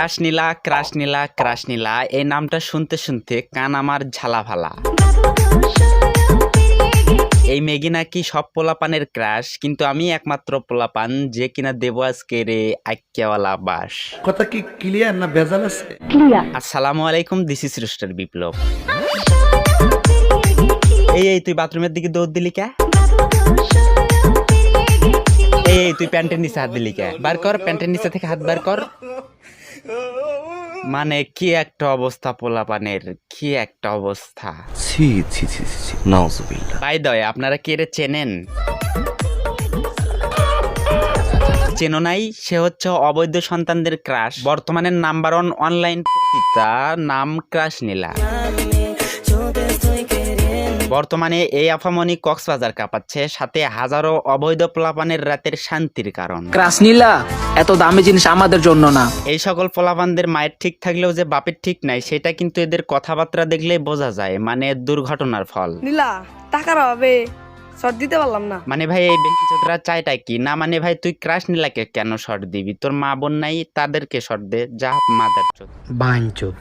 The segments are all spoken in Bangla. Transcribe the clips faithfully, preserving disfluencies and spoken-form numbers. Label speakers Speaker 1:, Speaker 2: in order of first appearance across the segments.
Speaker 1: Crush Nila crush Nila crush Nila এই নামটা শুনতে শুনতে কান আমার ঝালাফালা। এই মেগি নাকি সব পোলাপানের ক্রাশ, কিন্তু আমি একমাত্র পোলাপান যে কিনা দেব আজকে রে আইক্যাওয়ালা বাস।
Speaker 2: কথা কি ক্লিয়ার না ভেজাল আছে?
Speaker 3: ক্লিয়ার।
Speaker 1: আসসালামু আলাইকুম, দিস ইজ রুস্টার বিপ্লব। এই এই তুই বাথরুমের দিকে দৌড় দিলি কে? এই তুই প্যান্টের নিচে হাত দিলি কে? বার কর প্যান্টের নিচে থেকে হাত বার কর। মানে কি একটা অবস্থা পোলাপানের, কি একটা অবস্থা।
Speaker 2: ছি ছি ছি ছি নাউজুবিল্লাহ।
Speaker 1: বাই দ্য ওয়ে, আপনারা কে রে চেনেন? চেনো নাই? সে হচ্ছে অবৈধ সন্তানদের ক্রাশ, বর্তমানে নাম্বার ওয়ান অনলাইন পতিতা, নাম ক্রাশ নীলা। বর্তমানে এই আফামনি কক্সবাজার কাঁপাচ্ছে, সাথে হাজারো অবৈধ পোলাপানের রাতের শান্তির কারণ।
Speaker 4: ক্রাশ নীলা এত দামি জিনিস আমাদের জন্য না।
Speaker 1: এই সকল পোলাপানদের মায়ের ঠিক থাকলেও যে বাপের ঠিক নাই, সেটা কিন্তু এদের কথাবার্তা দেখলেই বোঝা যায়, মানে দুর্ঘটনার ফল।
Speaker 3: নীলা টাকার অভাবে শর্ট দিতে পারলাম না।
Speaker 1: মানে ভাই এই বেঞ্চোদরা চাইটা কি না? মানে ভাই তুই ক্রাশ নীলাকে কেন শর্ট দিবি? তোর মা বোন নাই, তাদেরকে শর্ট দে, যা মাদার চোদ
Speaker 4: বাঞ্চোদ।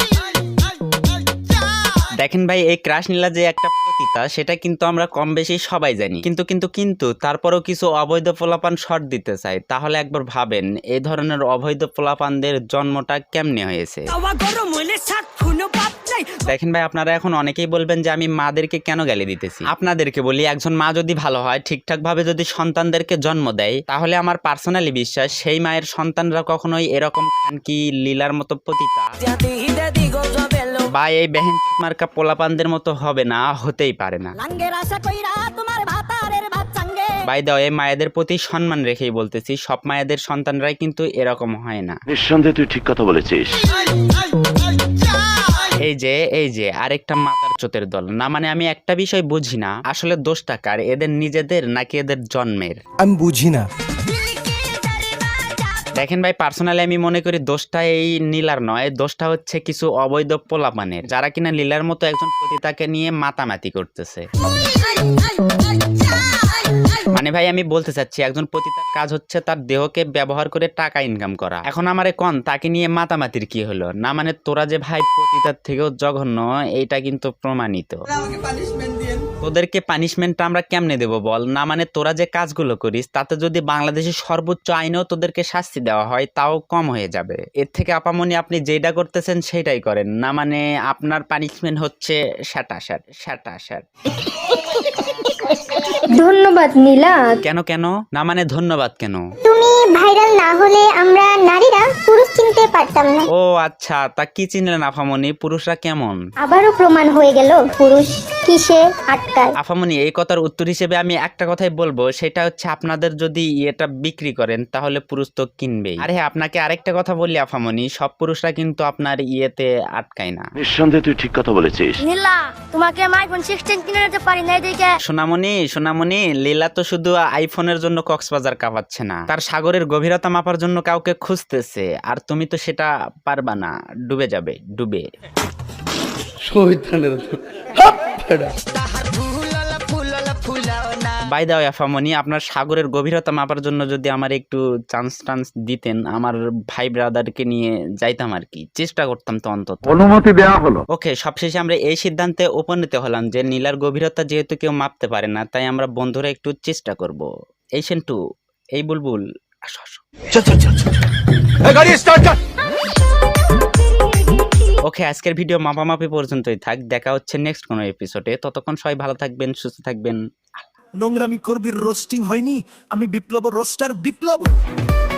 Speaker 1: দেখেন ভাই, এই ক্রাশ নীলা যে একটা পতিতা সেটা কিন্তু আমরা কম বেশি সবাই জানি, কিন্তু কিন্তু কিন্তু তারপরেও কিছু অবৈধ পোলাপান শর্ট দিতে চায়। তাহলে একবার ভাবেন এই ধরনের অবৈধ পোলাপানদের জন্মটা কেমনে হয়েছে। দেখেন ভাই, আপনারা এখন অনেকেই বলবেন যে আমি মাদেরকে কেন গালি দিতেছি। আপনাদেরকে বলি, একজন মা যদি ভালো হয়, ঠিকঠাক ভাবে যদি সন্তানদেরকে জন্ম দেয়, তাহলে আমার পার্সোনালি বিশ্বাস সেই মায়ের সন্তানরা কখনোই এরকম খানকি লীলার মতো পতিতা বা এই বেহেন মার্কা পোলাপানদের মতো হবে না, হতেই পারে না। বাই দ্য ওয়ে, মায়েদের প্রতি সম্মান রেখেই বলতেছি, সব মায়েদের সন্তানরাই কিন্তু এরকম হয় না।
Speaker 5: নিঃসন্দেহে তুই ঠিক কথা বলেছিস।
Speaker 1: এই যে এই যে আরেকটা মাতার চোতের দল না, মানে আমি একটা বিষয় বুঝি না, আসলে দোষটা কার, এদের নিজেদের নাকি এদের জন্মের?
Speaker 6: আমি বুঝি না।
Speaker 1: দেখেন ভাই, পার্সোনালি আমি মনে করি দোষটা এই নীলার নয়, দোষটা হচ্ছে কিছু অবৈধ পোলাপানের, যারা কিনা লীলার মতো একজন পতিতাকে নিয়ে মাতামাতি করতেছে। মানে ভাই আমি বলতে চাচ্ছি, একজন পতিতার কাজ হচ্ছে তার দেহকে ব্যবহার করে টাকা ইনকাম করা। এখন আমারে কোন তাকে নিয়ে মাতামাতির কি হলো? না মানে তোরা যে ভাই পতিতার থেকেও জঘন্য, এইটা কিন্তু প্রমাণিত। তোদেরকে পানিশমেন্টটা আমরা কেমনে দেব বল? না মানে তোরা যে কাজগুলো করিস, তাতে যদি বাংলাদেশের সর্বোচ্চ আইনেও তোদেরকে শাস্তি দেওয়া হয়, তাও কম হয়ে যাবে। এর থেকে আপামনি আপনি যেটা করতেছেন সেটাই করেন, না মানে আপনার পানিশমেন্ট হচ্ছে শ্যাটা শ্যাট শ্যাটা শ্যাট।
Speaker 7: ধন্যবাদ নীলা।
Speaker 1: কেন কেন? না মানে ধন্যবাদ কেন?
Speaker 7: তুমি ভাইরাল না হলে আমরা নারীরা পুরুষ চিনতে পারতাম না।
Speaker 1: ও আচ্ছা, তা কি চিনলেন আফামনি? পুরুষরা কেমন?
Speaker 7: আবারও প্রমাণ হয়ে গেল পুরুষ কিসে আটকায়।
Speaker 1: আফামনি, এই কথার উত্তর হিসেবে আমি একটা কথাই বলবো, সেটা হচ্ছে আপনাদের যদি এটা বিক্রি করেন তাহলে পুরুষ তো কিনবেই। আরে হ্যাঁ, আপনাকে আরেকটা কথা বললি আফামনি, সব পুরুষরা কিন্তু আপনার ইয়েতে আটকায় না।
Speaker 5: নিঃসন্দেহে তুই ঠিক কথা বলেছিস।
Speaker 7: নীলা তোমাকে আমি আইফোন সিক্সটিন কিনে দিতে পারি না, এদিকে
Speaker 1: সোনামণি সোনামণি, লীলা তো শুধু আইফোনের জন্য কক্সবাজার কাঁপাচ্ছে না, তার সাগরের গভীরতা মাপার জন্য কাউকে খুঁজতেছে, আর তুমি তো সেটা পারবা না, ডুবে যাবে ডুবে।
Speaker 2: শহীদানের
Speaker 1: বাই দা ওয়ে আফামনি, আপনার সাগরের গভীরতা মাপার জন্য যদি আমার একটু চান্স টান্স দিতেন, আমার ভাই ব্রাদারকে নিয়ে যাইতাম আর কি, চেষ্টা করতাম তো অন্তত।
Speaker 5: অনুমতি দেওয়া হলো।
Speaker 1: ওকে, সবশেষে আমরা এই সিদ্ধান্তে উপনীত হলাম যে নীলার গভীরতা যেহেতু কেউ মাপতে পারে না, তাই আমরা বন্ধুরা একটু চেষ্টা করব। এই সেন্টু, এই বুলবুল, আসো আসো। ওকে, আজকের ভিডিও মাপামাপি পর্যন্তই থাক, দেখা হচ্ছে নেক্সট কোনো এপিসোডে। ততক্ষণ সবাই ভালো থাকবেন, সুস্থ থাকবেন।
Speaker 6: নোংরামি করবি, রোস্টিং হয়নি। আমি বিপ্লব, রোস্টার বিপ্লব।